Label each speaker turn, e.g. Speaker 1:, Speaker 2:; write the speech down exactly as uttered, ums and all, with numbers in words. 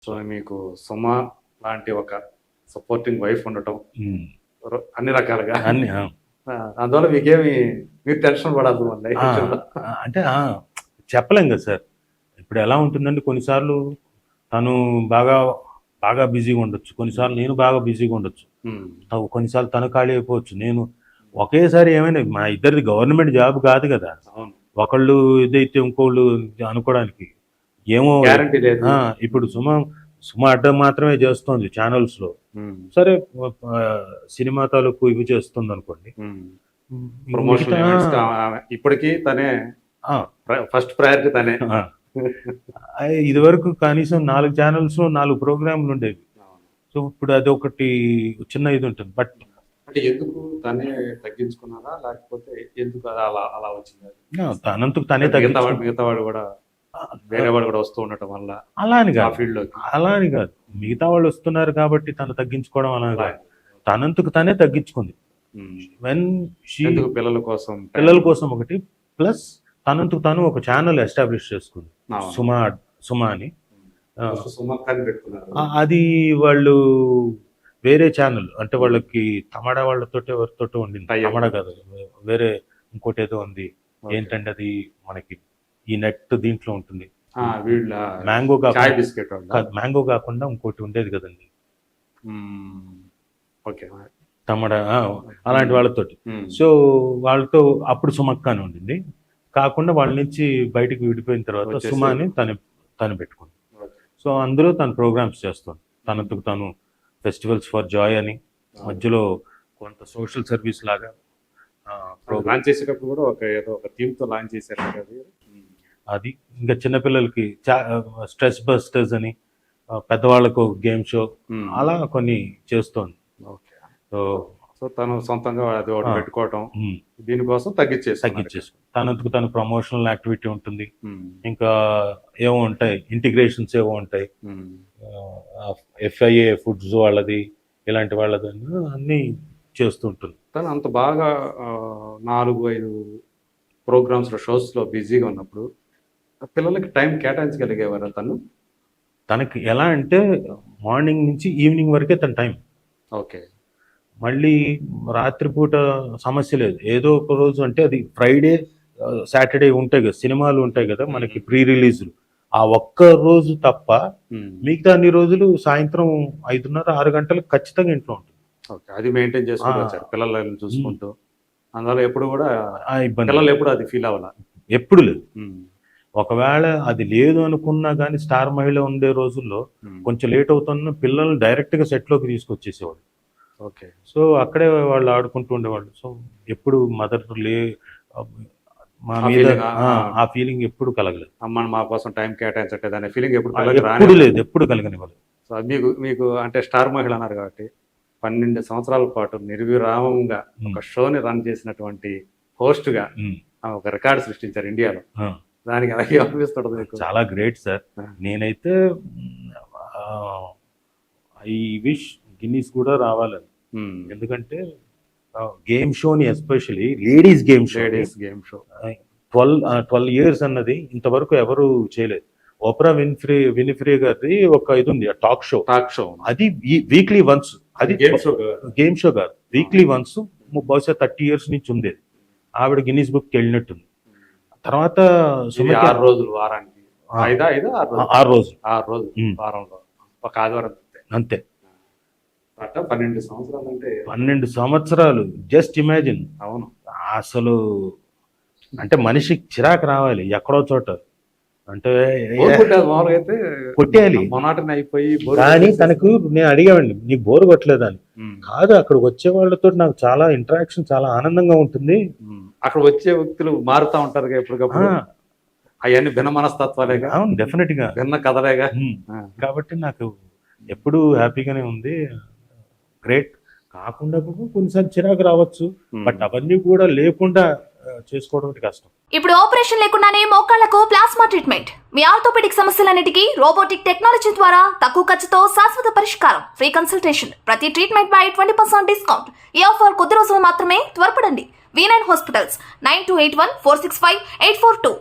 Speaker 1: So మీకు సుమ లాంటి ఒక సపోర్టింగ్ వైఫ్ ఉండటం
Speaker 2: ఉమ్.
Speaker 1: ర- అన్ని రకాలుగా
Speaker 2: అన్ని ఆ.
Speaker 1: ఆ, అందువల్ల మీకేమి మీరు టెన్షన్ పడద్దు మళ్ళీ
Speaker 2: ఆ, అంటే ఆ, చెప్పలేం కదా సార్. ఇప్పుడు ఎలా ఉంటుందంటే కొన్నిసార్లు తను బాగా బాగా బిజీగా ఉండొచ్చు, కొన్నిసార్లు నేను బాగా బిజీగా ఉండొచ్చు,
Speaker 1: ఉమ్,
Speaker 2: త- కొన్నిసార్లు తను ఖాళీ అయిపోవచ్చు. నేను ఒకేసారి ఏమైనా మా ఇద్దరిది గవర్నమెంట్ జాబ్ కాదు కదా,
Speaker 1: అవును,
Speaker 2: ఒకళ్ళు ఇదైతే ఇంకోళ్ళు అనుకోవడానికి ఏమో.
Speaker 1: గ్యారంటీ లేదు.
Speaker 2: ఆ, ఇప్పుడు సుమ సుమ అడ్డం మాత్రమే చేస్తోంది ఛానల్స్ లో,
Speaker 1: ఉమ్,
Speaker 2: సరే ఆ, సినిమా తాలూకు ఇవి చేస్తుంది అనుకోండి.
Speaker 1: ఉమ్. ప్రమోషన్
Speaker 2: మిగతా-
Speaker 1: ఈవెంట్స్ కా- ఆమె ఇప్పటికీ తనే
Speaker 2: ఆ,
Speaker 1: ఫస్ట్ ప్రయారిటీ తనే.
Speaker 2: ఆ. ఆ, ఇదివరకు కనీసం నాలుగు ఛానల్స్ లో నాలుగు ప్రోగ్రాంలు ఉండేవి. సో ఇప్పుడు అది ఒకటి చిన్న ఇది ఉంటుంది. బట్
Speaker 1: అంటే ఎందుకు తనే తగ్గించుకున్నారా లేకపోతే ఎందుకు అది అలా అలా వచ్చింది?
Speaker 2: తనంతకు తనే
Speaker 1: మిగతా వాడు
Speaker 2: తగ్గించుకో
Speaker 1: మిగతా వాడు కూడా వేరే వాడు కూడా వస్తూ ఉండటం వల్ల
Speaker 2: అలా అని
Speaker 1: ఆ
Speaker 2: కాదు,
Speaker 1: ఫీల్డ్ లోకి
Speaker 2: అలా అని కాదు. మిగతా వాళ్ళు వస్తున్నారు కాబట్టి తను తగ్గించుకోవడం అలా కాదు. తనంతకు తనే తగ్గించుకుంది.
Speaker 1: ఉమ్.
Speaker 2: వెన్ షీ
Speaker 1: ఎందుకు పిల్లల కోసం
Speaker 2: పిల్లల కోసం ఒకటి, ప్లస్ తనంతకు తను ఒక ఛానల్ ఎస్టాబ్లిష్ చేసుకుంది,
Speaker 1: అవును.
Speaker 2: సుమా సుమా అని. ఆ,
Speaker 1: సుమక్కని పెట్టుకున్నారు.
Speaker 2: ఆ, అది వాళ్ళు వేరే ఛానల్, అంటే వాళ్ళకి తమడా వాళ్ళతో ఎవరితోటో ఉండింది.
Speaker 1: Tie up.
Speaker 2: తమడా కాదు, వేరే ఇంకోటి ఏదో ఉంది.
Speaker 1: Okay.
Speaker 2: ఏంటంటే అది మనకి ఈ నెట్ దీంట్లో ఉంటుంది.
Speaker 1: ఆ, వీళ్ళ
Speaker 2: మ్యాంగో
Speaker 1: చాయ్
Speaker 2: కాకుండా
Speaker 1: బిస్కెట్ వాళ్ళ.
Speaker 2: కాదు, మ్యాంగో కాకుండా ఇంకోటి ఉండేది కదండి,
Speaker 1: మ్మ్. ఓకే.
Speaker 2: తమడా ఆ, అలాంటి వాళ్ళతోటి.
Speaker 1: మ్మ్.
Speaker 2: సో వాళ్ళతో అప్పుడు సుమక్క అని ఉండింది. కాకుండా వాళ్ళ నుంచి బయటికి విడిపోయిన తర్వాత
Speaker 1: వచ్చేసి-
Speaker 2: సుమాని తను తను పెట్టుకుంది.
Speaker 1: ఓకే.
Speaker 2: సో అందులో తను ప్రోగ్రామ్స్ చేస్తుంది. తనంతకు తను ఫెస్టివల్స్ ఫర్ జాయ్ అని, మధ్యలో కొంత సోషల్ సర్వీస్ లాగా ప్రోగ్రామ్.
Speaker 1: లాంచ్ చేసేటప్పుడు కూడా ఒక ఏదో ఒక థీమ్ తో లాంచ్ చేశారు కదా అది.
Speaker 2: అది ఇంకా చిన్నపిల్లలకి స్ట్రెస్ బస్టర్స్ అని, ఆ, పెద్దవాళ్ళకు గేమ్ షో,
Speaker 1: మ్మ్.
Speaker 2: అలా కొన్ని చేస్తోంది.
Speaker 1: ఓకే.
Speaker 2: సో
Speaker 1: సో తను సొంతంగా అది ఒకటి
Speaker 2: ఆ.
Speaker 1: పెట్టుకోవటం
Speaker 2: మ్,
Speaker 1: దీనికోసం తగ్గించేసి
Speaker 2: తగ్గించేసుకో. తనంతకు తను ప్రమోషనల్ యాక్టివిటీ ఉంటుంది. ఇంకా ఏవో ఉంటాయి, ఇంటిగ్రేషన్స్ ఏవో ఉంటాయి, ఎఫ్ఐఏ ఫుడ్స్ వాళ్ళది, ఇలాంటి వాళ్ళది అన్నీ చేస్తుంటుంది.
Speaker 1: తను అంత బాగా ఆ, నాలుగు ఐదు ప్రోగ్రామ్స్ లో షోస్ లో బిజీగా ఉన్నప్పుడు ఆ పిల్లలకి టైం కేటాయించగలిగేవారా తను?
Speaker 2: తనకి ఎలా అంటే మార్నింగ్ నుంచి ఈవినింగ్ వరకే తన టైం.
Speaker 1: ఓకే.
Speaker 2: మళ్ళీ రాత్రిపూట సమస్య లేదు. ఏదో ఒక రోజు అంటే అది ఫ్రైడే సాటర్డే ఉంటాయి కదా, సినిమాలు ఉంటాయి కదా మనకి ప్రీ రిలీజ్లు, ఆ ఒక్క రోజు తప్ప
Speaker 1: మ్మ్.
Speaker 2: మిగతా అన్ని రోజులు సాయంత్రం ఐదున్నర ఆరు గంటలకు ఖచ్చితంగా ఇంట్లో ఉంటుంది.
Speaker 1: ఓకే. అది మెయింటైన్ చేసుకుంటూ
Speaker 2: ఆ.
Speaker 1: వచ్చారు పిల్లలను చూసుకుంటూ. అందువల్ల ఎప్పుడు కూడా
Speaker 2: ఆ ఇబ్బంది
Speaker 1: పిల్లలు ఎప్పుడు అది ఫీల్ అవ్వాల.
Speaker 2: ఎప్పుడు లేదు. ఒకవేళ అది లేదు అనుకున్నా కానీ స్టార్ మహిళ ఉండే రోజుల్లో కొంచెం లేట్ అవుతున్న పిల్లల్ని డైరెక్ట్ గా సెట్ లోకి తీసుకొచ్చేసేవాడు.
Speaker 1: ఓకే.
Speaker 2: సో అక్కడే వాళ్ళు ఆడుకుంటూ ఉండేవాళ్ళు. సో ఎప్పుడు మదర్ లే మా
Speaker 1: ఆ
Speaker 2: మీద
Speaker 1: feeling,
Speaker 2: ఆ,
Speaker 1: ఆ.
Speaker 2: ఆ ఫీలింగ్ ఎప్పుడు కలగలేదు.
Speaker 1: అమ్మని మా కోసం టైం కేటాయించట్లేదు అనే ఫీలింగ్ ఎప్పుడు
Speaker 2: ఆ,
Speaker 1: పిల్లలకి
Speaker 2: ఎప్పుడు
Speaker 1: రాని.
Speaker 2: లేదు, ఎప్పుడు కలగనివ్వలేదు.
Speaker 1: సో అది మీకు మీకు అంటే స్టార్ మహిళ అన్నారు కాబట్టి పన్నెండు సంవత్సరాల పాటు నిర్విరామంగా ఒక షోని రన్ చేసినటువంటి host గా
Speaker 2: ఉమ్,
Speaker 1: ఆమె ఒక రికార్డు సృష్టించారు ఇండియాలో.
Speaker 2: ఆ,
Speaker 1: దానికి అలాగే అనిపిస్తుంది మీకు?
Speaker 2: చాలా గ్రేట్ సార్.
Speaker 1: ఆ.
Speaker 2: నేనైతే ఐ విష్ గిన్నీస్ కూడా రావాలని.
Speaker 1: మ్మ్.
Speaker 2: ఎందుకంటే గేమ్ షోని, especially ladies game show,
Speaker 1: ladies game show.
Speaker 2: Twelve twelve years అన్నది ఇంతవరకు ఎవరు చేయలేదు. ఓప్రా విన్ఫ్రీ వినిఫ్రీ గారిది ఒక ఇది ఉంది, టాక్ షో.
Speaker 1: Talk show.
Speaker 2: అది వీక్లీ వన్స్, అది
Speaker 1: గేమ్ షో.
Speaker 2: గేమ్ షో కాదు, వీక్లీ వన్స్, బహుశా థర్టీ ఇయర్స్ నుంచి ఉండేది. ఆవిడ గిన్నీస్ బుక్ వెళ్ళినట్టుంది. తర్వాత
Speaker 1: ఇది
Speaker 2: సుమతి
Speaker 1: ఆరు రోజులు వారానికి.
Speaker 2: ఆ.
Speaker 1: ఐదా ఐదా ఆరు రోజులు?
Speaker 2: ఆరు రోజులు
Speaker 1: ఆరు రోజులు
Speaker 2: మ్మ్.
Speaker 1: వారంలో ఒక ఆదివారం అంతే.
Speaker 2: అంతే.
Speaker 1: అట్ట పన్నెండు సంవత్సరాలు అంటే
Speaker 2: పన్నెండు సంవత్సరాలు. Just imagine.
Speaker 1: అవును.
Speaker 2: అసలు అంటే మనిషికి చిరాకు రావాలి ఎక్కడో చోట, అంటే
Speaker 1: బోర్ కొట్టేది మామూలుగా అయితే
Speaker 2: కొట్టేయాలి.
Speaker 1: మొనాటని అయిపోయి బోర్
Speaker 2: కానీ
Speaker 1: కొట్టేసి-
Speaker 2: తనకు నేను అడిగామండి, నీకు బోర్ కొట్టలేదని.
Speaker 1: మ్మ్.
Speaker 2: కాదు, అక్కడికి వచ్చే వాళ్ళతో నాకు చాలా ఇంటరాక్షన్, చాలా ఆనందంగా ఉంటుంది.
Speaker 1: మ్మ్. అక్కడ వచ్చే వ్యక్తులు మారుతా ఉంటారు
Speaker 2: ఆ,
Speaker 1: ఎప్పటికప్పుడు. అవన్నీ భిన్న మనస్తత్వాలేగా,
Speaker 2: అవును, డెఫినెట్ గా.
Speaker 1: భిన్న కథలేగా.
Speaker 2: ఉమ్.
Speaker 1: ఆ.
Speaker 2: కాబట్టి నాకు ఎప్పుడు హ్యాపీగానే ఉంది. గ్రేట్. కాకుండా కూడా కొన్నిసార్లు చిరాకు రావచ్చు,
Speaker 1: మ్మ్.
Speaker 2: బట్ అవన్నీ కూడా లేకుండా ఆ, చేసుకోవడం అంటే కష్టం.
Speaker 3: ఇప్పుడు ఆపరేషన్ లేకుండానే మోకాళ్లకు ప్లాస్మా ట్రీట్మెంట్, మీ ఆర్థోపెడిక్ సమస్యలన్నిటికీ రోబోటిక్ టెక్నాలజీ ద్వారా తక్కువ ఖర్చుతో శాశ్వత పరిష్కారం, ఫ్రీ కన్సల్టేషన్, ప్రతి ట్రీట్మెంట్ పై ట్వంటీ పర్సెంట్ డిస్కౌంట్. ఈ ఆఫర్ కొద్ది రోజులు మాత్రమే, త్వరపడండి. V nine hospitals, nine two eight one four six five eight four two.